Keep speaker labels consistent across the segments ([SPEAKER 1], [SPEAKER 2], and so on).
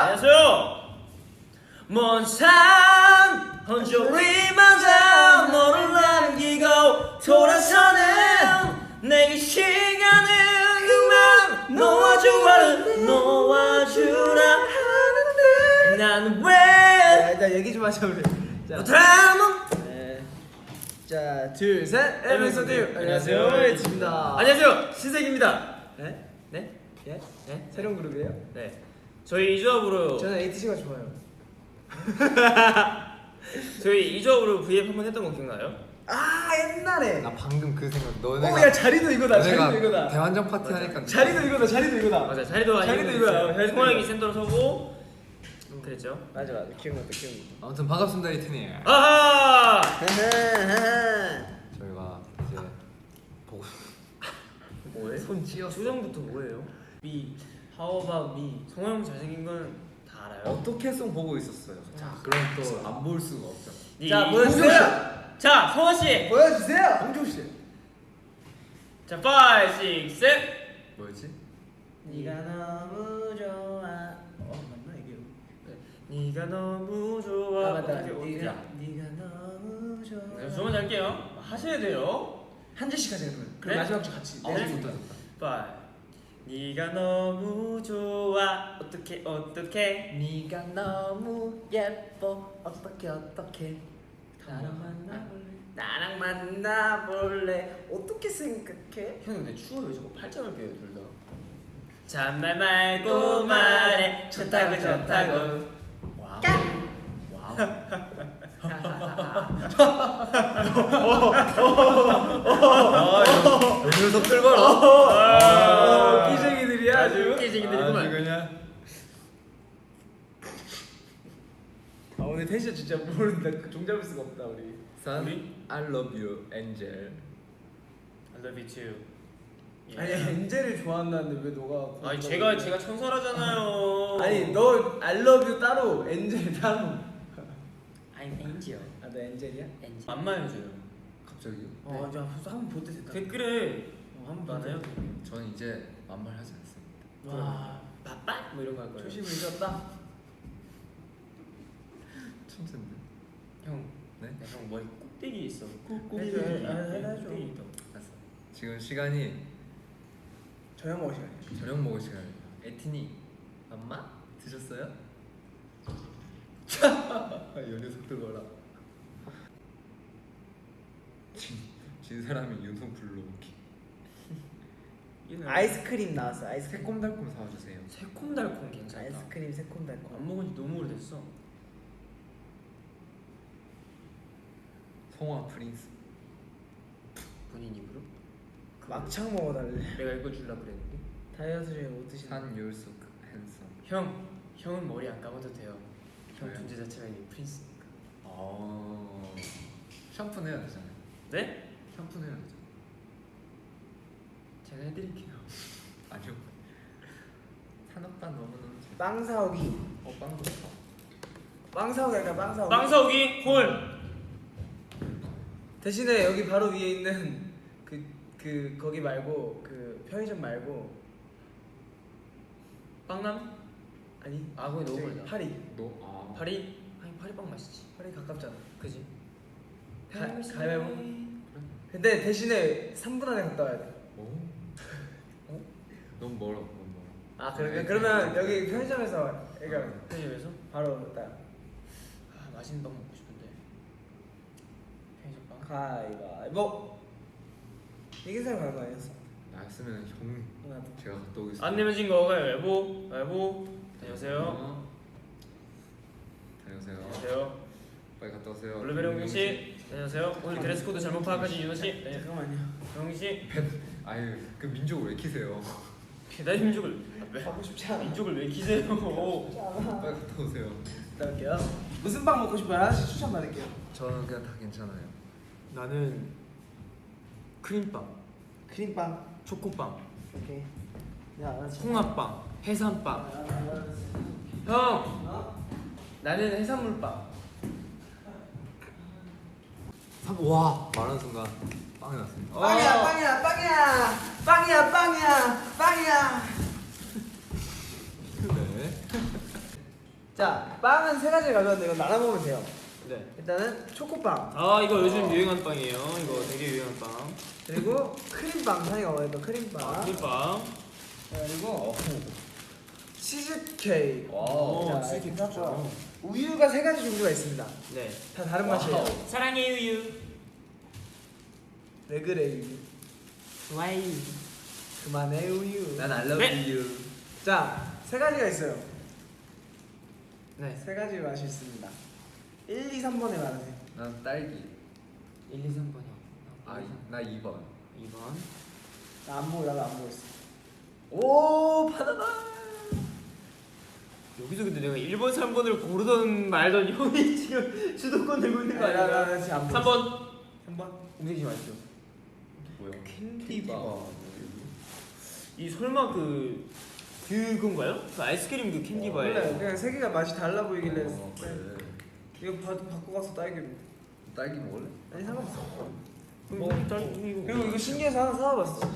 [SPEAKER 1] 안녕하세요. 먼 산 혼자리마다 너를 남기고 돌아서는 내게 시간을 그만 놓아주라 하는데 난 왜
[SPEAKER 2] 일단 얘기 좀 하자 우리. 자,
[SPEAKER 1] 네.
[SPEAKER 2] 자, 둘, 셋. 에피소드.
[SPEAKER 1] 안녕하세요.
[SPEAKER 2] 에이치입니다.
[SPEAKER 1] 안녕하세요. 신세기입니다.
[SPEAKER 2] 네?
[SPEAKER 1] 네?
[SPEAKER 2] 예?
[SPEAKER 1] 네?
[SPEAKER 2] 새로운 그룹이에요?
[SPEAKER 1] 네. 저희 이 조합으로
[SPEAKER 2] 저는 ATC가 좋아요.
[SPEAKER 1] 저희 이 조합으로 V앱 한번 했던 거 기억나요?
[SPEAKER 2] 아, 옛날에.
[SPEAKER 3] 나 방금 그 생각. 너네가
[SPEAKER 2] 오, 야, 자리도 이거다.
[SPEAKER 3] 너네가
[SPEAKER 2] 자리도 이거다.
[SPEAKER 3] 대환장 파티 하니까
[SPEAKER 2] 자리도 이거다. 자리도 이거다.
[SPEAKER 1] 맞아. 자리도
[SPEAKER 2] 자리도 이거야. 자리도
[SPEAKER 1] 소원이
[SPEAKER 2] 이거.
[SPEAKER 1] 센터로 서고 그랬죠.
[SPEAKER 2] 맞아. 기억났다.
[SPEAKER 3] 아무튼 반갑습니다 이튼이.
[SPEAKER 1] 아하!
[SPEAKER 3] 저희가 이제 보고
[SPEAKER 1] 뭐해?
[SPEAKER 3] 손 찧었어.
[SPEAKER 1] 수정부터 뭐예요? 미, how about me? 성호 형 잘생긴 건 다 알아요.
[SPEAKER 3] 어떻게 송 보고 있었어요? 자, 그럼 또 안 볼 수가 없죠.
[SPEAKER 2] 자, 보여주세요.
[SPEAKER 1] 자, 성호 씨.
[SPEAKER 2] 보여주세요. 홍종 씨.
[SPEAKER 1] 자, 5, 6, 7.
[SPEAKER 3] 뭐였지?
[SPEAKER 2] 네가 너무 좋아. 맞나 이게?
[SPEAKER 1] 네가 너무 좋아.
[SPEAKER 2] 아, 맞다.
[SPEAKER 1] 어떻게
[SPEAKER 2] 네가 너무 좋아.
[SPEAKER 1] 네, 주문 할게요. 하셔야 돼요.
[SPEAKER 2] 한 절씩 하자 그러면. 그럼
[SPEAKER 1] 네?
[SPEAKER 2] 마지막 주 같이.
[SPEAKER 1] 네.
[SPEAKER 3] 좋다.
[SPEAKER 1] 5. 네가 너무 좋아. 어떻게
[SPEAKER 2] 네가 너무 예뻐. 어떻게 나랑 만나볼래. 어떻게 생각해?
[SPEAKER 1] 형 근데 추워요. 저거 팔짱을 껴요 둘 다. 잔말 말고 말해. 좋다고.
[SPEAKER 2] 와우.
[SPEAKER 3] 이 녀석들 봐라.
[SPEAKER 2] 끼쟁이들이야 아주.
[SPEAKER 1] 웃기지기들이구만.
[SPEAKER 3] 그냥
[SPEAKER 2] 아 오늘 텐션 진짜 모른다. 종 잡을 수가 없다 우리.
[SPEAKER 3] 산
[SPEAKER 1] 우리?
[SPEAKER 3] I love you, Angel.
[SPEAKER 1] I love you too. 예.
[SPEAKER 2] 아니 엔젤을 좋아한다는데 왜 너가?
[SPEAKER 1] 아니 제가 천사라잖아요.
[SPEAKER 2] 아니 너 I love you 따로 엔젤 따로.
[SPEAKER 1] I'm angel.
[SPEAKER 2] 아너 엔젤이야?
[SPEAKER 1] angel. 안만 해줘요.
[SPEAKER 3] 갑자기요?
[SPEAKER 2] 어, 저 한번 볼 때 됐다.
[SPEAKER 1] 댓글에
[SPEAKER 2] 한번
[SPEAKER 1] 많아요.
[SPEAKER 3] 저는 이제 만말하지 않습니다.
[SPEAKER 2] 와,
[SPEAKER 1] 빠빠 뭐 이런 거 할 거예요.
[SPEAKER 2] 초심을 잃었다.
[SPEAKER 3] 천재인데.
[SPEAKER 1] 형,
[SPEAKER 3] 네?
[SPEAKER 1] 형 머리 꼭대기 있어.
[SPEAKER 2] 해줘, 해줘.
[SPEAKER 1] 꼭대기 있어.
[SPEAKER 3] 알았어. 지금 시간이
[SPEAKER 2] 저녁 먹을 시간이야.
[SPEAKER 3] 저녁 먹을 시간입니다. 에티니, 엄마 드셨어요? 이 녀석들 봐라. 진 사람이 윤성 불러오기.
[SPEAKER 2] 아이스크림 나왔어. 아이스크림.
[SPEAKER 3] 새콤달콤 사와주세요.
[SPEAKER 1] 새콤달콤 괜찮다.
[SPEAKER 2] 아이스크림 새콤달콤.
[SPEAKER 1] 안 먹은 지 너무 오래됐어.
[SPEAKER 3] 송화 프린스.
[SPEAKER 1] 본인 입으로?
[SPEAKER 2] 막창 먹어달래.
[SPEAKER 1] 내가 이거 줄라 그랬는데.
[SPEAKER 2] 다이어트 중에 못 드시는.
[SPEAKER 3] 산 율숙 핸섬.
[SPEAKER 1] 형은 머리 안 감아도 돼요. 형
[SPEAKER 3] 왜요?
[SPEAKER 1] 존재 자체가 이미 프린스니까.
[SPEAKER 3] 샴푸는 해야 되잖아요.
[SPEAKER 1] 네?
[SPEAKER 3] 샴푸는 해야 되잖아요.
[SPEAKER 1] 제가 해드릴게요.
[SPEAKER 3] 아니요. 산업반 너무너무 잘.
[SPEAKER 2] 빵 사오기.
[SPEAKER 3] 빵도 사.
[SPEAKER 2] 빵 사오기 할까? 빵 사오기.
[SPEAKER 1] 빵사오기 콜.
[SPEAKER 2] 대신에 여기 바로 위에 있는 거기 말고 그 편의점 말고
[SPEAKER 1] 빵남?
[SPEAKER 2] 아니
[SPEAKER 1] 아 거기 너무
[SPEAKER 2] 저기
[SPEAKER 1] 멀다.
[SPEAKER 2] 파리.
[SPEAKER 1] 파리? 아니 파리빵 맛있지.
[SPEAKER 2] 파리 가깝잖아.
[SPEAKER 1] 그지?
[SPEAKER 2] 가위바위보. 근데 대신에 3분 안에 갔다 와야 돼.
[SPEAKER 3] 오. 너무 멀어. 너무 멀어.
[SPEAKER 2] 아 그러면 여기 편의점에서 그러니까
[SPEAKER 1] 편의점에서?
[SPEAKER 2] 바로 딱
[SPEAKER 1] 아 맛있는 빵 먹고 싶은데. 편의점 빵.
[SPEAKER 2] 가위바위보. 이긴 사람 가는 거 아니었어?
[SPEAKER 3] 나였으면 형
[SPEAKER 2] 나도.
[SPEAKER 3] 제가 갔다 오겠습니다.
[SPEAKER 1] 안 내면 진 거 가위바위보. 가위바위보. 안녕하세요.
[SPEAKER 3] 다녀오세요.
[SPEAKER 1] 안녕하세요.
[SPEAKER 3] 빨리 갔다 오세요.
[SPEAKER 1] 블루베리 홍씨 안녕하세요. 오늘 드레스 코드 잘못 파악하신 윤호 씨. 네.
[SPEAKER 2] 잠깐만요.
[SPEAKER 1] 영희 씨.
[SPEAKER 3] 아유 그 민족을 왜 키세요?
[SPEAKER 1] 배달 민족을 왜?
[SPEAKER 2] 가고 싶지 않아.
[SPEAKER 1] 민족을 왜 키세요?
[SPEAKER 3] 빨리 갔다 오세요.
[SPEAKER 2] 갔다 올게요. 무슨 빵 먹고 싶어요? 하나씩 추천 받을게요.
[SPEAKER 3] 저는 그냥 다 괜찮아요.
[SPEAKER 1] 나는 크림빵,
[SPEAKER 2] 크림빵.
[SPEAKER 1] 초코빵,
[SPEAKER 2] 오케이. 야 알았어.
[SPEAKER 1] 홍합빵, 해산빵. 형,
[SPEAKER 2] 어?
[SPEAKER 1] 나는 해산물빵.
[SPEAKER 3] 와 말하는 순간 빵이 났습니다.
[SPEAKER 2] 빵이야 빵이야 빵이야 빵이야 빵이야 빵이야.
[SPEAKER 3] 네.
[SPEAKER 2] 자, 빵은 세 가지 가져왔는데 이거 나눠 먹으면 돼요.
[SPEAKER 1] 네.
[SPEAKER 2] 일단은 초코빵,
[SPEAKER 1] 아 이거 요즘 유행하는 빵이에요. 이거 되게 유행한 빵.
[SPEAKER 2] 그리고 크림빵, 산이가 원했던 크림빵,
[SPEAKER 1] 꿀빵.
[SPEAKER 2] 그리고 치즈케이크.
[SPEAKER 1] 오,
[SPEAKER 2] 자,
[SPEAKER 1] 치즈케이크
[SPEAKER 2] 이렇게
[SPEAKER 1] 좋죠.
[SPEAKER 2] 해서 우유가 세 가지 종류가 있습니다.
[SPEAKER 1] 네.
[SPEAKER 2] 다 다른 맛이에요.
[SPEAKER 1] 사랑해 우유.
[SPEAKER 2] 왜 그래 우유?
[SPEAKER 1] 좋아요.
[SPEAKER 2] 그만해 우유.
[SPEAKER 3] 난 I love
[SPEAKER 1] 네.
[SPEAKER 3] you.
[SPEAKER 2] 자, 세 가지가 있어요.
[SPEAKER 1] 네.
[SPEAKER 2] 세 가지 맛이 있습니다. 1, 2, 3번에 말하세요.
[SPEAKER 3] 난 딸기.
[SPEAKER 1] 1, 2, 3번이요.
[SPEAKER 3] 나 2번.
[SPEAKER 1] 2번.
[SPEAKER 2] 나도 안 보였어.
[SPEAKER 3] 오 바나나.
[SPEAKER 1] 여기서 근데 내가 1번, 3번을 고르던 말던 형이 지금 주도권 들고 있는 거 아니야?
[SPEAKER 2] 나 지금 안 보였어.
[SPEAKER 1] 3번.
[SPEAKER 2] 3번.
[SPEAKER 1] 움직이지 마시죠.
[SPEAKER 3] 뭐야?
[SPEAKER 1] 캔디바. 이 설마 그건가요? 그 아이스크림 그 캔디바예요.
[SPEAKER 2] 원래 그냥 세 개가 맛이 달라 보이길래
[SPEAKER 3] 그래.
[SPEAKER 2] 이거 바꿔 가서 딸기로.
[SPEAKER 3] 딸기 먹을래?
[SPEAKER 2] 아니 상관없어.
[SPEAKER 1] 그리고
[SPEAKER 2] 이거 신기해서 하나 사와봤어.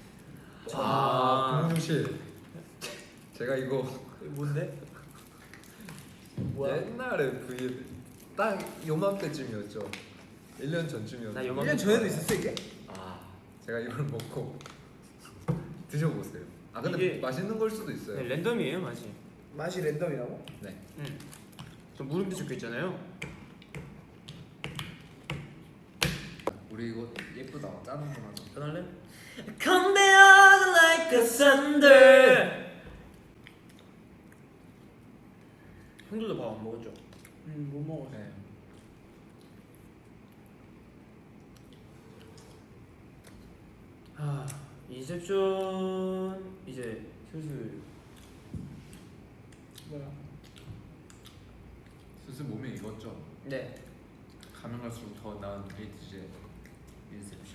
[SPEAKER 3] 공주실. 제가 이거
[SPEAKER 2] 이거 뭔데? 뭐야?
[SPEAKER 3] 옛날에 그게 딱 요맘때쯤이었죠. 1년 전쯤이었죠.
[SPEAKER 1] 나
[SPEAKER 2] 1년 전에도 있었어 이게?
[SPEAKER 3] 제가 이걸 먹고 드셔보세요. 근데
[SPEAKER 1] 이게-
[SPEAKER 3] 맛있는 걸 수도 있어요.
[SPEAKER 1] 네, 랜덤이에요 맛이.
[SPEAKER 2] 맛이 랜덤이라고?
[SPEAKER 3] 네.
[SPEAKER 1] 저 물음표 적혀 있잖아요.
[SPEAKER 3] 우리 이거 예쁘다. 짜는 거 하자.
[SPEAKER 1] 전할래? Come down like a thunder. 형들도 밥 안 먹었죠?
[SPEAKER 2] 못 먹었어.
[SPEAKER 3] 네.
[SPEAKER 1] 인셉션 이제 슬슬
[SPEAKER 2] 뭐야?
[SPEAKER 3] 슬슬 몸에 익었죠.
[SPEAKER 1] 네.
[SPEAKER 3] 가면 갈수록 더 나은 데이트제 인셉션.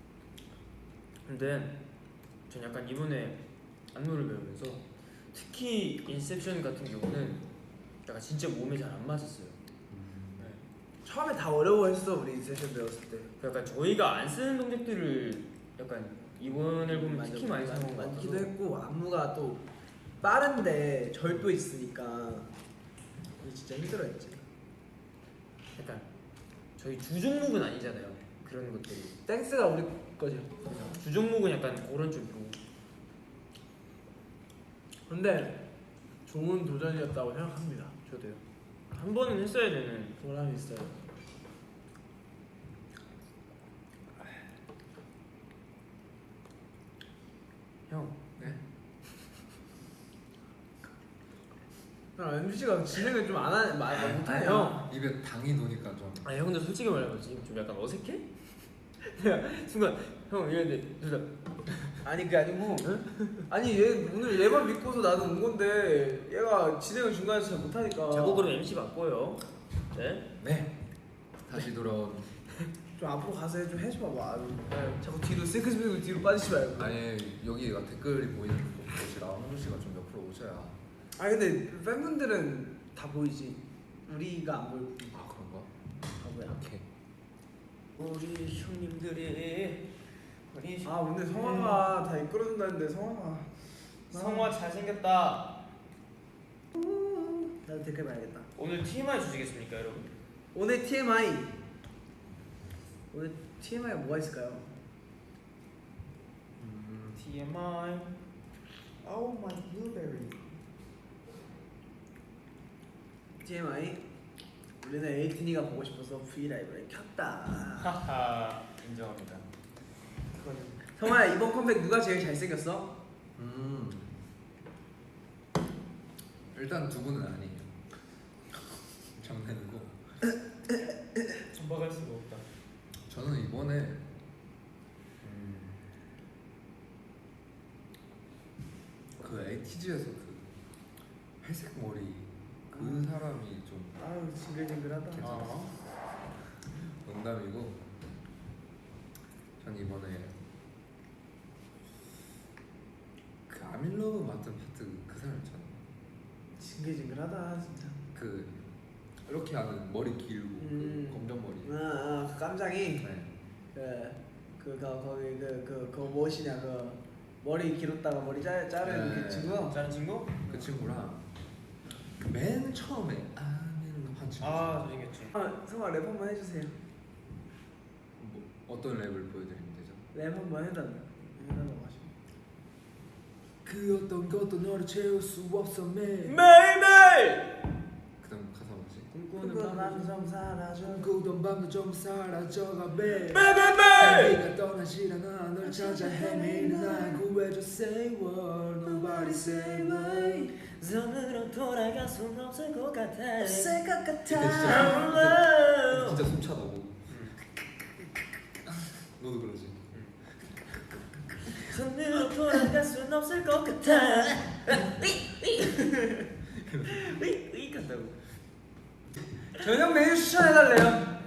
[SPEAKER 1] 근데 전 약간 이번에 안무를 배우면서 특히 인셉션 같은 경우는 약간 진짜 몸에 잘 안 맞았어요. 네.
[SPEAKER 2] 처음에 다 어려워했어 우리 세션 배웠을 때.
[SPEAKER 1] 약간 저희가 안 쓰는 동작들을 약간 이번 앨범 특히 많이 사용한 것
[SPEAKER 2] 많기도
[SPEAKER 1] 같아서
[SPEAKER 2] 했고 안무가 또 빠른데 절도 있으니까 이게 진짜 힘들어했지.
[SPEAKER 1] 약간 저희 주 종목은 아니잖아요. 그런 것들이.
[SPEAKER 2] 댄스가 우리 거죠.
[SPEAKER 1] 주 종목은 약간 그런 쪽이고.
[SPEAKER 2] 근데 좋은 도전이었다고 생각합니다.
[SPEAKER 1] 저도요. 한 번은 했어야 되는.
[SPEAKER 2] 보람이 있어요.
[SPEAKER 1] 형.
[SPEAKER 3] 네.
[SPEAKER 2] MC가 진행을 좀 안 하는 말 못해요.
[SPEAKER 1] 형.
[SPEAKER 3] 입에 당이 도니까 좀.
[SPEAKER 1] 아 형들 솔직히 말하면 지금 좀 약간 어색해? 내가 순간 형 이랬는데 둘 다.
[SPEAKER 2] 아니 그게 아니고 아니 얘 오늘 얘만 믿고서 나는 온 건데 얘가 진행을 중간에서 잘 못하니까
[SPEAKER 1] 자꾸 그러면 MC 바꿔요. 네.
[SPEAKER 3] 네. 다시 돌아온.
[SPEAKER 2] 좀 앞으로 가서 좀 해줘봐. 자꾸 뒤로 세크스백으로 뒤로 빠지지 말고.
[SPEAKER 3] 아니 여기가 댓글이 보이는 곳이라 홍준 씨가 좀 옆으로 오셔야.
[SPEAKER 2] 아니 근데 팬분들은 다 보이지. 우리가 안 보이고.
[SPEAKER 3] 아 그런가?
[SPEAKER 2] 바보야.
[SPEAKER 3] 오케이.
[SPEAKER 1] 우리 형님들이
[SPEAKER 2] 아 오늘 성화가 다 이끌어준다는데 성화가
[SPEAKER 1] 잘생겼다.
[SPEAKER 2] 나도 댓글 봐야겠다.
[SPEAKER 1] 오늘 TMI 주시겠습니까 여러분?
[SPEAKER 2] 오늘 TMI. 오늘 TMI가 뭐가 있을까요?
[SPEAKER 1] TMI.
[SPEAKER 2] Oh my blueberry. TMI. 우리는 에이틴이가 보고 싶어서 브이라이브를 켰다.
[SPEAKER 1] 하하 인정합니다.
[SPEAKER 2] 성화야 이번 컴백 누가 제일 잘생겼어?
[SPEAKER 3] 일단 두 분은 아니에요. 장난이고.
[SPEAKER 1] 전박할 수가 없다.
[SPEAKER 3] 저는 이번에 그 에이티즈에서 그 회색 머리 그 사람이 좀
[SPEAKER 2] 아유 징글징글하다.
[SPEAKER 3] 괜찮았어. 농담이고 전 이번에 그 아밀러브 맡은 파트 그 사람 있잖아.
[SPEAKER 2] 징글징글하다 진짜.
[SPEAKER 3] 그 이렇게 하는 머리 길고 그 검정 머리.
[SPEAKER 2] 그 깜장이
[SPEAKER 3] 네.
[SPEAKER 2] 거기 그 무엇이냐 그 머리 길었다가 머리 자른
[SPEAKER 3] 네.
[SPEAKER 2] 그 친구.
[SPEAKER 1] 다른 친구?
[SPEAKER 3] 그 친구랑
[SPEAKER 4] 맨 처음에 아미는 한참.
[SPEAKER 1] 잘생겼지.
[SPEAKER 2] 성아 랩 한번 해주세요.
[SPEAKER 4] 뭐, 어떤 랩을 보여드리면 되죠?
[SPEAKER 2] 랩 한번 해달라. 해달라고 하시고.
[SPEAKER 4] 그 어떤 것도 너를 채울 수 없어 매일.
[SPEAKER 1] 매일매일.
[SPEAKER 4] 그다음 가사 뭐지?
[SPEAKER 2] 꿈꾸는 밤도 좀 사라져.
[SPEAKER 4] 꿈꾸던 밤도 좀 사라져가 매일.
[SPEAKER 1] 매일매일.
[SPEAKER 4] 자기가 떠나질 않아 널 찾아 헤매는 날 구해줘 say what nobody say why.
[SPEAKER 1] 섬으로 돌아갈 순 없을 것 같아.
[SPEAKER 2] 없을 것
[SPEAKER 4] 그때
[SPEAKER 2] 같아.
[SPEAKER 4] 진짜 숨차다고. 너도 그러지?
[SPEAKER 1] 섬으로 돌아갈 순 없을 것 같아. 으이 간다고.
[SPEAKER 2] 저녁 메뉴 추천해달래요.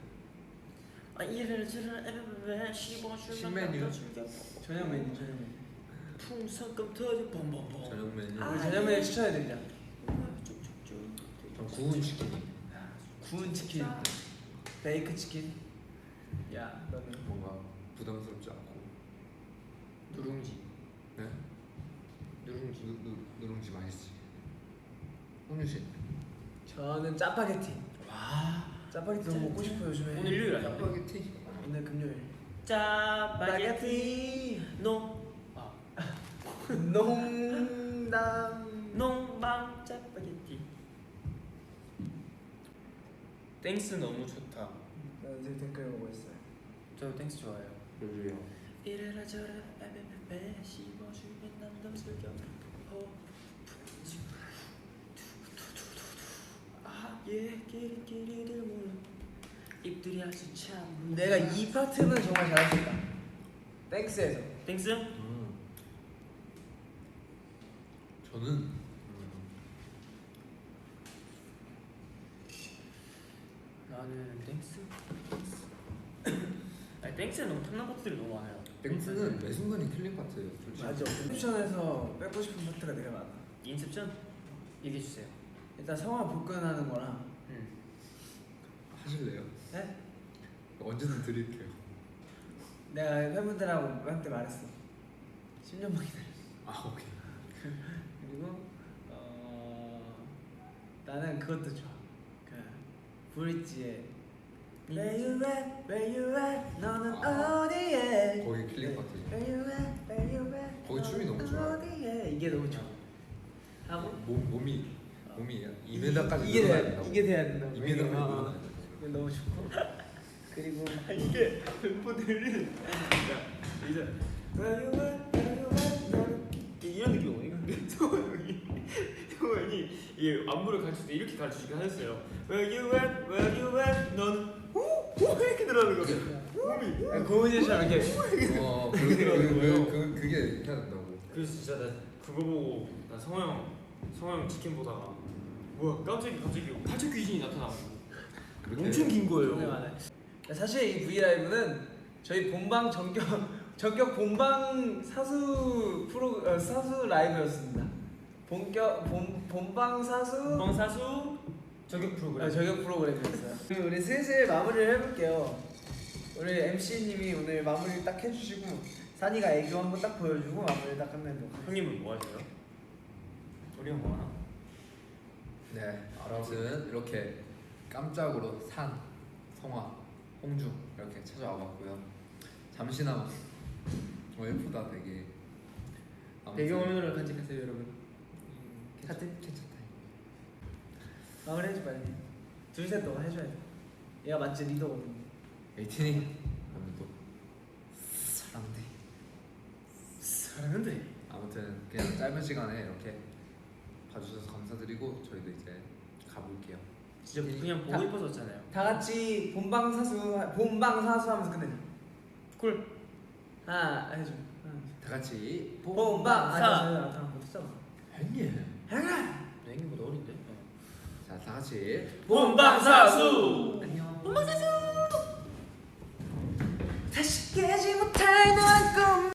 [SPEAKER 1] 이래를 저래를
[SPEAKER 4] 신메뉴?
[SPEAKER 2] 저녁 메뉴.
[SPEAKER 1] 풍선껌 터져 bombombom.
[SPEAKER 4] 저녁 메뉴.
[SPEAKER 2] 우리 저녁 메뉴 추천해드리자.
[SPEAKER 4] 전 구운 치킨이.
[SPEAKER 2] 구운 치킨, 베이크 치킨. 야, 너는
[SPEAKER 4] 뭔가 부담스럽지 않고.
[SPEAKER 1] 누룽지.
[SPEAKER 4] 네?
[SPEAKER 1] 누룽지.
[SPEAKER 4] 누룽지 맛있지. 홍유 씨.
[SPEAKER 2] 저는 짜파게티. 와, 짜파게티 너무 먹고 싶어요 요즘에.
[SPEAKER 1] 오늘 일요일 아니야?
[SPEAKER 4] 짜파게티.
[SPEAKER 2] 오늘 금요일.
[SPEAKER 1] 짜파게티
[SPEAKER 2] 농담.
[SPEAKER 1] 농방 짜파게티. 땡스 너무 좋다.
[SPEAKER 2] 나 이제 댓글 보고 있어요.
[SPEAKER 1] 저 땡스 좋아해요.
[SPEAKER 4] 요즘이요.
[SPEAKER 1] 이래라 저래라 에베베베 씹어주면 남도 즐겨. 아예 끼리끼리들 몰라. 입들이 아주 참.
[SPEAKER 2] 내가 이 파트는 정말 잘할 수 있다. 땡스에서.
[SPEAKER 1] 땡스?
[SPEAKER 4] 저는
[SPEAKER 1] 나는 땡스. 아니 땡스는 너무 탐난 것들이 너무 많아요.
[SPEAKER 4] 땡스는 매 순간이 킬링 파트예요. 솔직히.
[SPEAKER 2] 맞아. 옵션에서 빼고 싶은 파트가 되게 많아.
[SPEAKER 1] 인셉션 얘기해 주세요.
[SPEAKER 2] 일단 성화 복근하는 거랑.
[SPEAKER 4] 하실래요?
[SPEAKER 2] 네?
[SPEAKER 4] 언제든 드릴게요.
[SPEAKER 2] 내가 팬분들하고 한테 말했어. 10년만 기다려.
[SPEAKER 4] 아 오케이.
[SPEAKER 2] 그리고 나는 그것도 좋아. 그 브릿지의 Where you at? Where you at? 너는 어디에?
[SPEAKER 4] 거기 킬링 파트.
[SPEAKER 2] Where you at? Where you at?
[SPEAKER 4] 거기 춤이 너무 좋아요.
[SPEAKER 2] 어디에? 이게 너무 좋아. 하고
[SPEAKER 4] 몸이 2m까지
[SPEAKER 2] 이게 돼야 된다.
[SPEAKER 4] 2m까지 늘어나야 돼.
[SPEAKER 2] 이게 너무 좋고. 그리고
[SPEAKER 1] 이게 멤버들이 이제
[SPEAKER 2] Where you at? Where you at? 너는
[SPEAKER 1] 이런 느낌이거든요. 근데 성원이 이게 안무를 가르칠 때 이렇게 가르치긴 하셨어요. Where you at? Where you at? 너는 후 이렇게 들어가는 거예요. 몸이.
[SPEAKER 2] 고은이처럼 이렇게.
[SPEAKER 4] 그게 해야 된다고.
[SPEAKER 1] 그래서 진짜 나 그거 보고 나 성호 형 치킨 보다가 뭐야 갑자기 팔척 귀신이 나타나고 엄청 긴
[SPEAKER 2] 네,
[SPEAKER 1] 거예요.
[SPEAKER 2] 맞아요. 사실 이 V 라이브는 저희 본방 전격 본방 사수 라이브였습니다. 본방
[SPEAKER 1] 사수 저격 프로그램.
[SPEAKER 2] 저격 프로그램이었어요. 그럼 우리 슬슬 마무리를 해볼게요. 우리 MC님이 오늘 마무리 딱 해주시고 산이가 애교 한번 딱 보여주고 마무리 딱 끝내도록 하겠습니다.
[SPEAKER 1] 형님은 뭐 하세요? 우리 형 뭐 하나?
[SPEAKER 4] 네, 아무튼 이렇게 깜짝으로 산, 성화, 홍중 이렇게 찾아와봤고요. 잠시나마 예쁘다 되게. 아무튼
[SPEAKER 1] 배경화면으로 간직하세요 여러분.
[SPEAKER 2] 하트?
[SPEAKER 4] 괜찮다.
[SPEAKER 2] 마무리 해줘 빨리. 둘셋 너가 해줘야 돼. 얘가 맞지 리더거든.
[SPEAKER 4] 에이틴이 오늘도 사랑돼. 아무튼 그냥 짧은 시간에 이렇게 봐주셔서 감사드리고 저희도 이제 가볼게요.
[SPEAKER 1] 진짜 그냥 보고 싶어졌잖아요.
[SPEAKER 2] 다 같이 본방 사수 하면서 끝내자. 쿨. 하나 해줘.
[SPEAKER 4] 다 같이
[SPEAKER 2] 본방
[SPEAKER 1] 사.
[SPEAKER 2] 아 못했잖아.
[SPEAKER 4] 형님.
[SPEAKER 2] 행아.
[SPEAKER 1] 내 형님보다 어린데?
[SPEAKER 4] 자, 다 같이
[SPEAKER 1] 본방사수.